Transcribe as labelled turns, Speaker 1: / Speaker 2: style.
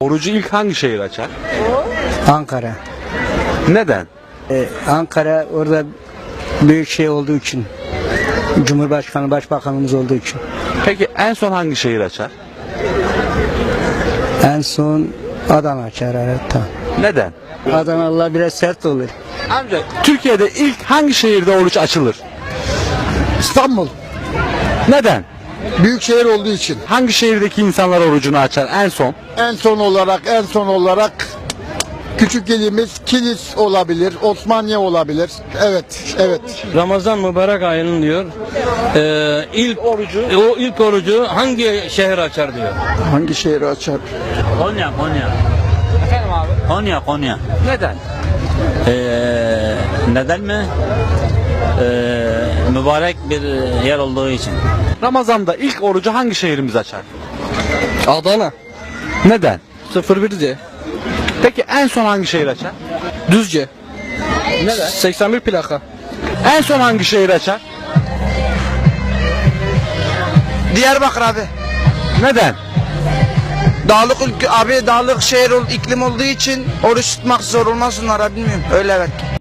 Speaker 1: Orucu ilk hangi şehir açar?
Speaker 2: Ankara.
Speaker 1: Neden?
Speaker 2: Ankara orada büyük şey olduğu için. Cumhurbaşkanı, başbakanımız olduğu için.
Speaker 1: Peki en son hangi şehir açar?
Speaker 2: En son Adana açar hatta.
Speaker 1: Neden?
Speaker 2: Adanalılar biraz sert olur.
Speaker 1: Amca Türkiye'de ilk hangi şehirde oruç açılır?
Speaker 3: İstanbul.
Speaker 1: Neden?
Speaker 3: Büyük şehir olduğu için.
Speaker 1: Hangi şehirdeki insanlar orucunu açar en son?
Speaker 3: En son olarak küçük ilimiz Kilis olabilir, Osmaniye olabilir. Evet.
Speaker 4: Ramazan mübarek ayının diyor. İlk orucu hangi şehir açar diyor.
Speaker 3: Hangi şehri açar?
Speaker 4: Konya.
Speaker 1: Efendim abi?
Speaker 4: Konya.
Speaker 1: Neden?
Speaker 4: Neden mi? Mübarek bir yer olduğu için.
Speaker 1: Ramazan'da ilk orucu hangi şehrimiz açar?
Speaker 5: Adana
Speaker 1: Neden?
Speaker 5: 01'de
Speaker 1: Peki en son hangi şehir açar?
Speaker 5: Düzce
Speaker 1: Neden?
Speaker 5: 81 plaka.
Speaker 1: En son hangi şehir açar?
Speaker 6: Diyarbakır abi.
Speaker 1: Neden?
Speaker 6: Dağlık şehir iklim olduğu için oruç tutmak zor olmaz onlara bilmiyorum. Öyle evet.